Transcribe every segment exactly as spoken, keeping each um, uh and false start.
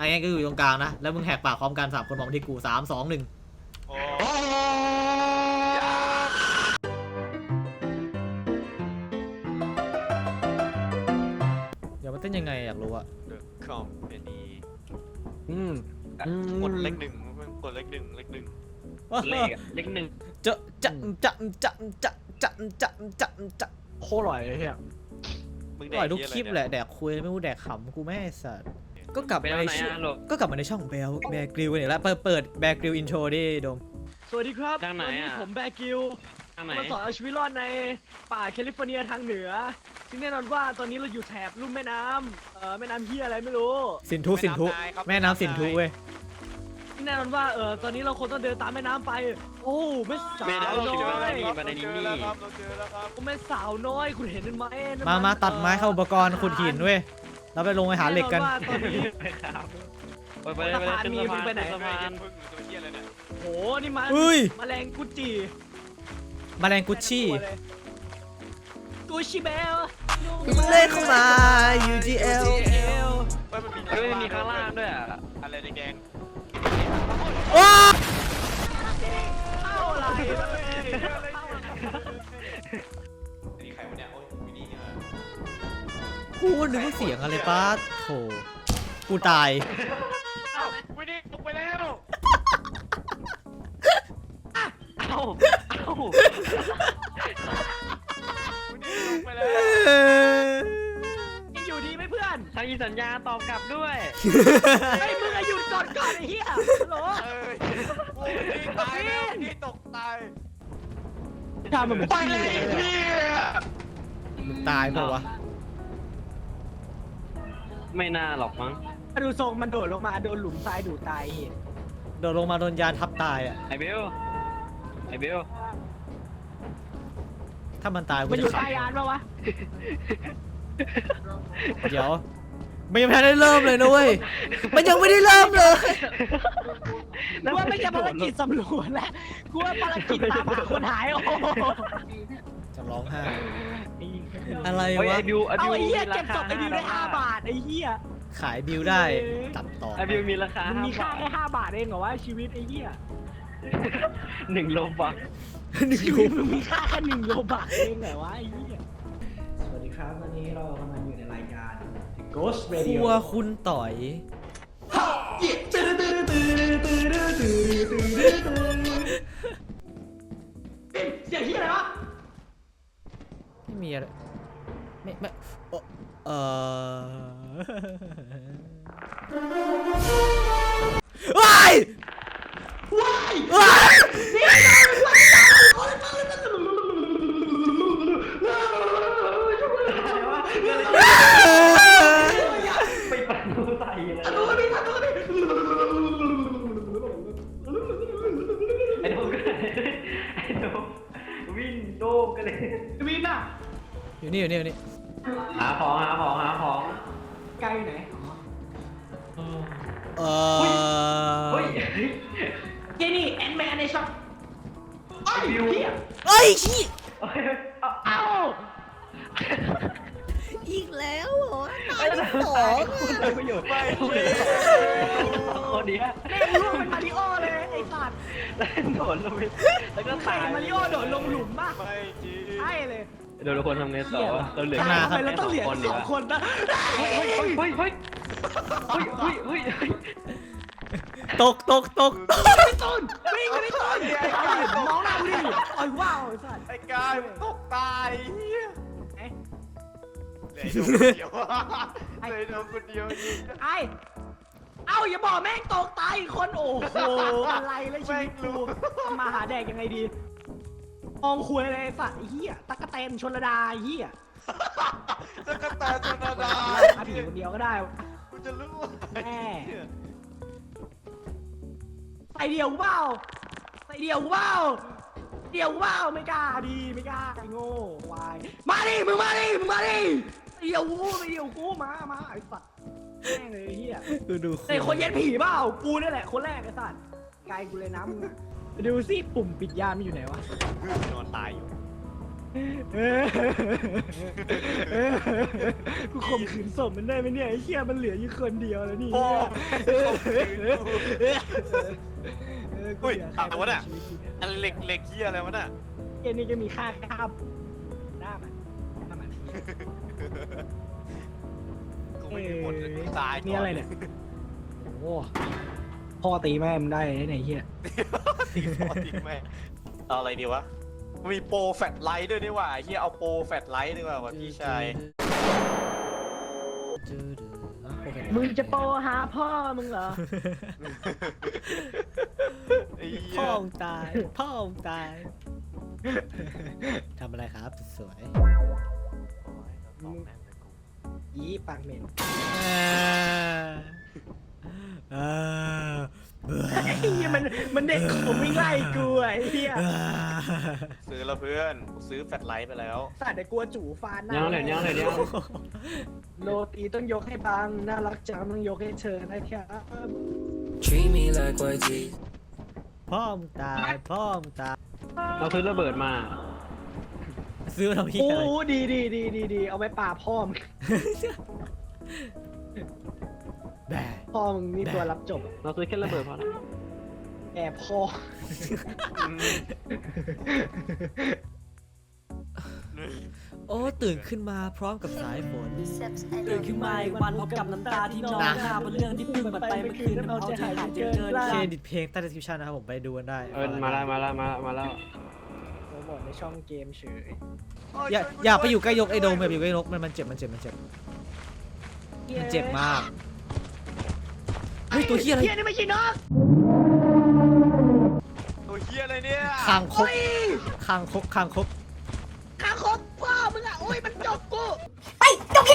ไอ้เงี้ยก็อยู่ตรงกลางนะแล้วมึงแหกปากพร้อมกันสามคนมองที่กูสามสองหนึ่งเดี๋ยวมันเต้นยังไงอยากรู้อะ The Company อืมกดเลขหนึ่งกดเลขหนึ่งเลขหนึ่งเลขเลขหนึ่งจะจะจะจะจะจะจะจะจะโคตรอร่อยเลยเฮียมึงอแดร่อยกทุกเหี้ยคลิปอะไรแหเนี่ยละแดกคุยไม่รู้แดกขำกูไม่ให้สัตว์ก็กลับไปมาแล้วในไหนช่องอ่ะลูกก็กลับมาในช่องแบลแบกริวเนี่ยแล้วเปิดเปิดแบกริวอินโทรดิโดมสวัสดีครับทางไหนวันี้อ่ะผมแบร์กิลทางไหนมาสอนเอาชีวิตรอดในป่าแคลิฟอร์เนียทางเหนือซึ่งแน่นอนว่าตอนนี้เราอยู่แถบลุ่มแม่น้ำเอ่อแม่น้ำเฮียอะไรไม่รู้สินทุสินทุแม่น้ำสินทุเว้ยซึ่งแน่นอนว่าเออตอนนี้เราคงต้องเดินตามแม่น้ำไป โอ้แม่สาไม่ได้วเราน้คิดว่าอไม่ยมีบันไดนี้เจอแล้วครับเราเจอแล้วครับโอ้แม่สาวน้อยคุณเห็นไหมนั่นมามาตัดไม้เข้าอุปกรณ์ขุดหินเว้ยแล้วไปลงไปหาเหล็กกันแว่าตอนนี้ไปไปเลยไปเลยขึ้นสะพานขึ้นสะพานพึ่งหรือตัวเหี้ยอะไรเนี่ยโหนี่มันเฮ้ยแมลงกุจิแมลงกุชชี่กุชิเบลเล่นเข้ามา ยู จี แอลเฮ้ยมันมีเฮ้ยมีข้างล่างด้วยอ่ะอะไรแดงว้าเข้าอะไรๆอันนี้ใครวะเนี่ยโอ้ยวินนี่เนี่ยกูนึกว่าเสียงอะไรป้าโถกูตายอ้าววินนี่ลงไปแล้วเอ้าเอ้าวินนี่ลงไปแล้วยังอยู่ดีไหมเพื่อนทางอีสัญญาตอบกลับด้วยไอ้ยมึงอะหยุดก่อนก่อนไอ้เหี้ยฮัลโหลเอ้ยโอ้ยวินนี่ตายแล้ววินนี่ตกตายทำมันเหมือนไปเลยพี่มึงตายเปล่าวะไม่น่าหรอกมั้งดูทรงมันโดดลงมาโดนหลุมทรายดูดตายเหี้ยโดนลงมาโดนยานทับตายอ่ะไอเบลไอเบลถ้ามันตายกูมันอจะยู่ขัใต้ยานปะวะเดี๋ยวมันยังไม่ทันได้เริ่มเลยนะเว้ยมันยังไม่ได้เริ่มเลยกูว่าไม่ใช่ภารกิจสำรวจแล้วกูว่าภารกิจตามหาคนหายโอ้โหจะร้องไห้อะไรเฮ้ยวะไอบิวไอเอาบิวไอ้เหี้ยมีราเก็บศคาพไอ้บิวได้ห้าบาทไอ้เหี้ยขายบิวได้ตัดต่อไอบิวมีราคามันห้ามีค่าบาทแค่ห้าบาทเองเหรอวะชีวิตไอ้เหี้ยหนึ่งโลบักหนึ่งชีรูวิตมึงมีค่าแค่หนึ่งโลบาทเองเหรอวะไอ้เหี้ยสวัสดีครับวันนี้เรากำลังอยู่ในรายการ Ghost ค Radio รัวคุณต่อยเสียงเหี้ยอะไรวะไม่มีอะไรไม่ไม่เอ่อเออว้ายว้ายว้ายไปปั่นดูใส่เลยตัวนี้ตัวนี้ไอโดมก็ไอโดมวินโดมกันเลยวินอ่ะอยู่นี่อยู่นี่อยู่นี่หาของหาของหาของไกลอยู่ไหนเออเฮ้ยเจนี่แอนแมนในช็อปไอบิวเหี้ยเอ้ยขี้เฮ้ยเอาเอ้าอีกแล้วเหรอไอ้สองคุณได้ประโยชน์ไปคนเนี้ยแม่งร่วงเป็นมาริโอเลยไอ้สัตว์แล้วโดดลงไปแล้วก็ใครตายมาริโอโดดลงหลุมป่ะไม่จริงใช่เลยโดนคนทำไงต่อเราเหลือทำไมเราต้องเหลือสองคนนะเฮ้ยเฮ้ยเฮ้ยเฮ้ยเฮ้ยเฮ้ยเฮ้ยตกตกตกตกไม่ต้นวิ่งไม่ต้นมองหน้ากูดิไอ้ว้าวไอ้สัตว์ไอ้กายตกตายเหี้ยเอ๊ะเหลือโดนคนเดียวเหลือโดนคนเดียวยิงไอ้เอ้าอย่าบอกแม่งตกตายอีกคนโอ้โหอะไรเลยชีวิตกูมาหาแดกยังไงดีมองคุยอะไรสัตว์ไอ้เหี้ยตั๊กแตนชนระดาไอ้เหี้ยจะกระแตชนาดาอาผีคนเดียวก็ได้กูจะรู้แม่ใส่เดียวกูเปล่าใส่เดียวกูเปล่าเดียวกูเปล่าไม่กล้าดีไม่กล้าไอ้โง่วายมาดิมึงมาดิมึงมาดิใส่เดียวกูใส่เดียวกูมามาไอ้สัตว์แม่งเลยไอ้เหี้ยดูดูไอ้คนเย็นผีเปล่ากูนี่แหละคนแรกไอ้สัตว์ไกลกูเลยนะมึงอะไปดูสิปุ่มปิดยานมันอยู่ไหนวะนอนตายอยู่เออเออกูข่มขืนศพมันได้ไหมเนี่ยไอ้เหี้ยมันเหลืออยู่คนเดียวแล้วนี่โอ้เออเฮ้ยเออกูอุ้ยเหลืออะไรวะเนี่ยชีวิตกูเนี่ยอันเหล็กเหล็กเฮียอะไรวะน่ะเกมนี้จะมีค่าข้ามหน้ามันหน้ามันกูไม่มีหมดเลยกูตายก่นี่อะไรเนี่ยโอ้พ่อตีแม่มึงได้ไหนเหี้ยตีพ่อตีแม่เอาอะไรดีวะมีโปรแฟลชไลท์ด้วยนี่หว่าเฮียเอาโปรแฟลชไลท์ดีกว่าว่ะพี่ชายมึงจะโปรหาพ่อมึงเหรอไอ้เหี้ยพ่อมึงตายพ่อมึงตายทำอะไรครับสวยยีปากเหม็นๆอ่าอ่าเบื่อไอ้เหี้ยมันมันเด็กผมวิ่งไล่กูไอ้เหี้ยอ่าซื้อแล้วเพื่อนซื้อแฟลชไลท์ไปแล้วสัตว์แต่กลัวจู่ฟานหน้ายังเลยยังเลยยังโรตีต้องยกให้บังน่ารักจังต้องยกให้เธอนะครับ Treat me like white teeth. พ่อมึงตายพ่อมึงตายเราซื้อระเบิดมาซื้อมาทำพี่โอ้อะไรดีดีดีดีดีเอาไว้ป่าบพ่อมึงแบะพ่อมึงนี่ตัวรับจบเราซื้อแค่ระเบิดพอแล้วแอบพ่อโอ้ตื่นขึ้นมาพร้อมกับสายฝนตื่นขึ้นมาอีกวันพบกับน้ำตาที่นองหน้าบนเรื่องที่เพิ่งมันไปเมื่อคืนมันเอาใจหายจนเกินเครดิตเพลงใต้ description นะครับผมไปดูกันได้เออมาแล้วมาแล้วมาแล้วมาแล้วโปรโมทในช่องเกมเฉยอย่าอย่าไปอยู่ใกล้ยกไอ้โดมอย่าไปอยู่ใกล้ยกมันมันเจ็บมันเจ็บมันเจ็บมันเจ็บมากเฮ้ยตัวเฮียอะไรเฮียนี่ไม่ใช่นกตัวเฮียอะไรเนี่ยคางคกคางคกคางคกข้าคบพ่อมึงอ่ะโอ้ยมันจบกูไปจบคิด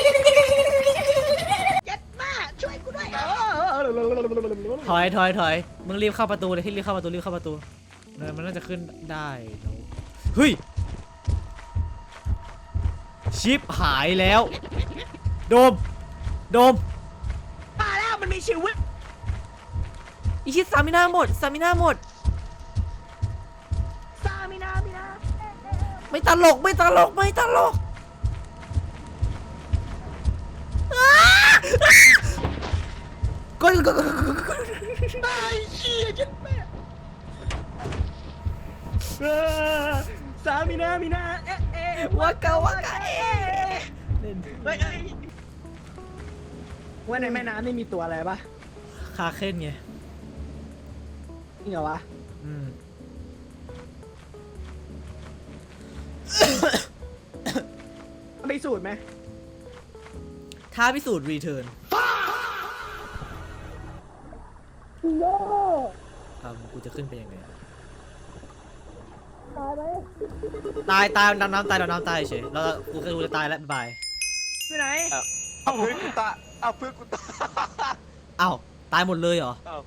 ยัดมาช่วยกูด้วยเออถอยถอยถอยมึงรีบเข้าประตูเลยที่รีบเข้าประตูรีบเข้าประตูเนินมันน่าจะขึ้นได้เนอะเฮ้ยชิปหายแล้วโดมโดมมาแล้วมันมีชีวิตอีชิตสามินาหมดสามินาหมดซามินามินาไม่ตลกไม่ตลกไม่ตลกก็ก็ตายเชี่ยจัดแม่เออซามินามินาเอ๊ะเอ๊ะวากาวากาเอ๊ะเฮ้ยเฮ้ยว่าในแม่น้ำนี่มีตัวอะไรปะคาเคนไงจริงเหรอวะอืมไปสูตรไหมท้าพิสูจน์รีเทิร์นครับกูจะขึ้นไปยังไงตายตายดำน้ำตายดำน้ำตายเฉยแล้วกูก็กูจะตายแล้วบ๊ายบายไปไหนเอาเพื่อนกูตาเอาเพื่อนกูตาอ้าวตายหมดเลยเหรอเอา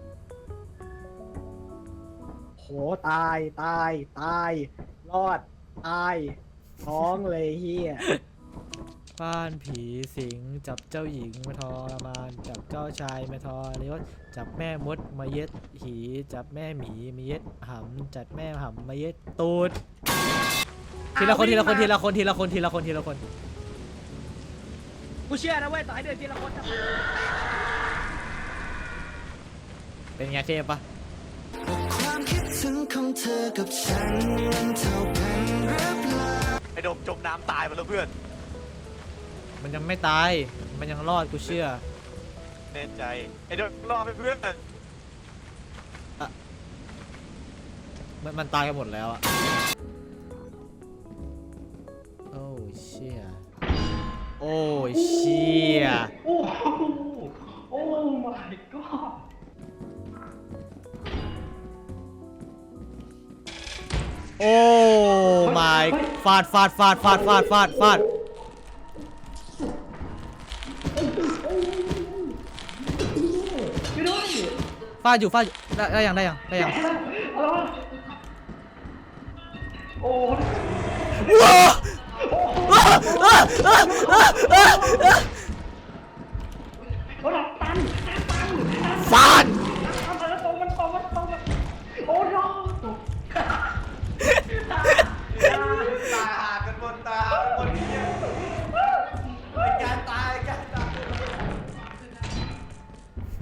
โหตายตายตายรอดตายท้องเลยเฮียบ้านผีสิงจับเจ้าหญิงมาทรมานจับเจ้าชายมาทรยศจับแม่มดมาเย็ดหีจับแม่หมีมาเย็ดหำจัดแม่หำมาเย็ดตูดทีละคนทีละคนทีละคนทีละคนทีละคนทีละคนกูเชื่อนะเว้ยต่อให้เดินทีละคนนะเป็นไงเทพปะความคิดถึงของเธอกับฉันมันเท่ากันหรือเปล่าไอ้โดมจมน้ำตายไปแล้วเพื่อนมันยังไม่ตายมันยังรอดกูเชื่อแน่ใจไอ้โดมรอไปเพื่อนมันมันตายกันหมดแล้วอะโอ้เชี่ยโอ้เชี่ยโอ้โหโอ้ my god โอ้ my ฟาดฟาดฟาดฟาดฟาดฟาดฟาดฟาดอยู่ฟาดอยู่ได้ได้ยังได้ยังได้ยังโอ้ว้าฟาดโอ้ no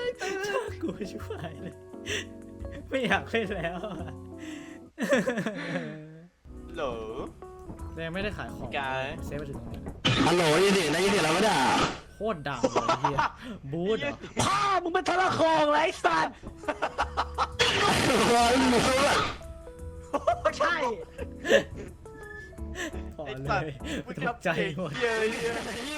กูช่วยเลย ไม่อยากเล่นแล้วอะเหรอยังไม่ได้ขายของกายเซฟไปถึงตรงนี้ฮัลโหลยินดีนะยินดีแล้วไม่ได้โคตรดังเลยเฮียบูธเหรอพ่อมึงเป็นทรโคงไรสัตว์ใช่พอไอ้เลสัตว์ยกูตจะกใจหมดเหี้ยเหี้ย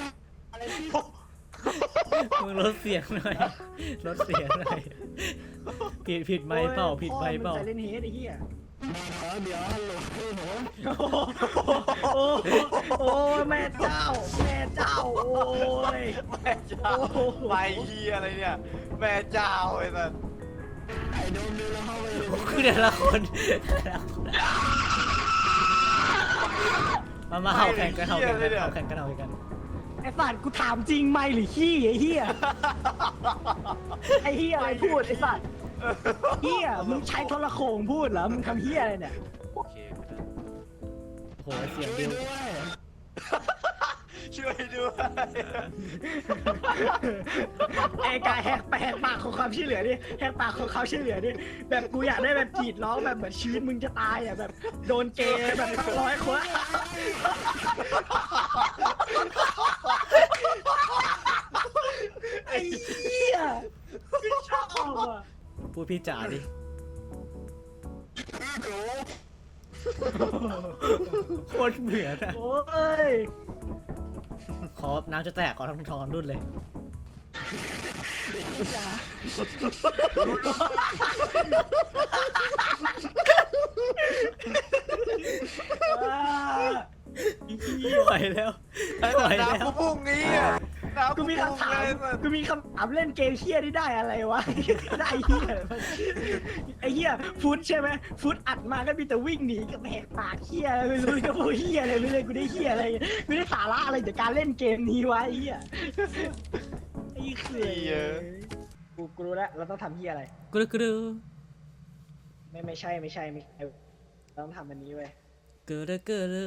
มึงลดเสียงหน่อยลดเสียงหน่อยผิดผิดไมค์เปล่าผิดไมค์เปล่าพ่อมึงใส่เล่นเฮดไอ้เหี้ยเดี๋ยวฮัลโหลผมโอ้โอ้แม่เจ้า แม่เจ้า โอ้ยแม่เจ้าไปเฮียอะไรเนี่ย แม่เจ้าไอ้สัสไอ้โดมดูแล้วเข้าไปเลยคือแต่ละคนแต่ละคนมามาเห่าแข่งกันเห่าแข่งกันเห่าแข่งกันเห่าแข่งกันไอ้สัตว์กูถามจริงไหมหรือขี้ไอ้เหี้ย ไอ้เหี้ยอะไรพูดไอ้สัตว์เหี้ยมึงใช้โทรโขงพูดเหรอ มึงทำเหี้ยอะไรเนี่ยโอเคก็ได้โหเสียงดิวช่วยด้วยไอ้กายแหกแหกปากของความช่วยเหลือดิแหกปากของเขาช่วยเหลือดิแบบกูอยากได้แบบกรีดร้องแบบเหมือนชีวิตมึงจะตายอ่ะแบบโดนเกย์แบบร้อยคนไอ้เหี้ยไม่ชอบอ่ะพูดพี่จ๋าดิโคตรเบื่อนะโอ้ยขอน้ำจะแตกขอทำทองรุ่นเลย ไม่ไหวแล้วไม่ไหวแล้วน้ำกูพุ่งงี้อ่ะน้ำกูมีคำถามเลยสัสกูมีคำถามเล่นเกมเฮี้ยนี่ได้อะไรวะ ได้เฮี้ยอะไรวะไอ้เฮี้ยฟุตใช่ไหมฟุตอัดมาก็มีแต่วิ่งหนีกับแหกปากเฮี้ยอะไรไม่รู้จะพูดเฮี้ยอะไรไม่รู้กูได้เฮี้ยอะไรกูได้สาระอะไรจากการเล่นเกมนี้วะไอ้เฮี้ยไอ้เขื่อนกูกูรู้แล้วเราต้องทำเฮี้ยอะไรกรึกรึไม่ไม่ใช่ไม่ใช่ไม่ใช่เราต้องทำอันนี้เว้ยกรึกรึ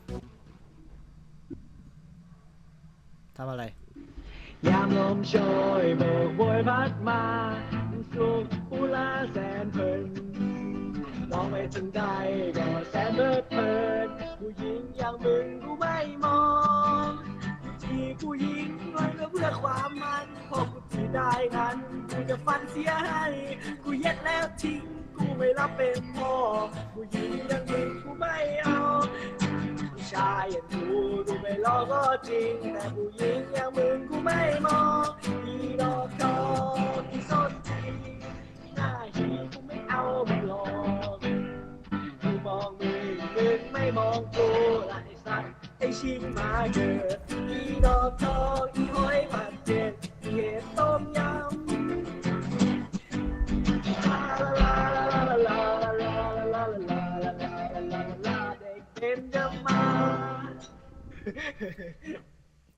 ทำอะไรยามลมโชยโบกโบยพัดมาสุขอุลาแสนเพลินมองไปถึงใดก็แสนเพลิดเพลินผู้หญิงอย่างมึงกูไม่มองที่ผู้หญิงน้อยก็เพื่อความมันพอกูที่ได้นั้นกูจะฟันเสียให้กูเย็ดแล้วทิ้งกูไม่รับเป็นพ่อผู้หญิงอย่างมึงกูไม่เอาผู้ชายอย่างกูกูไม่รอก็จริงแต่ผู้หญิงอย่างมึงกูไม่มองอีดอกทองอีส้นตีนหน้าหีกูไม่เอามึงหรอกกูมองมึงมึงไม่มองกูละไอ้สัตว์ไอ้ชิงมาเกิดอีดอกทองอีหอยผัดเจ็ดอีเห็ดต้มยำลาลาลาลาลาลาลาลาลาลาลาลาลาลาเด็กเป็นจะมา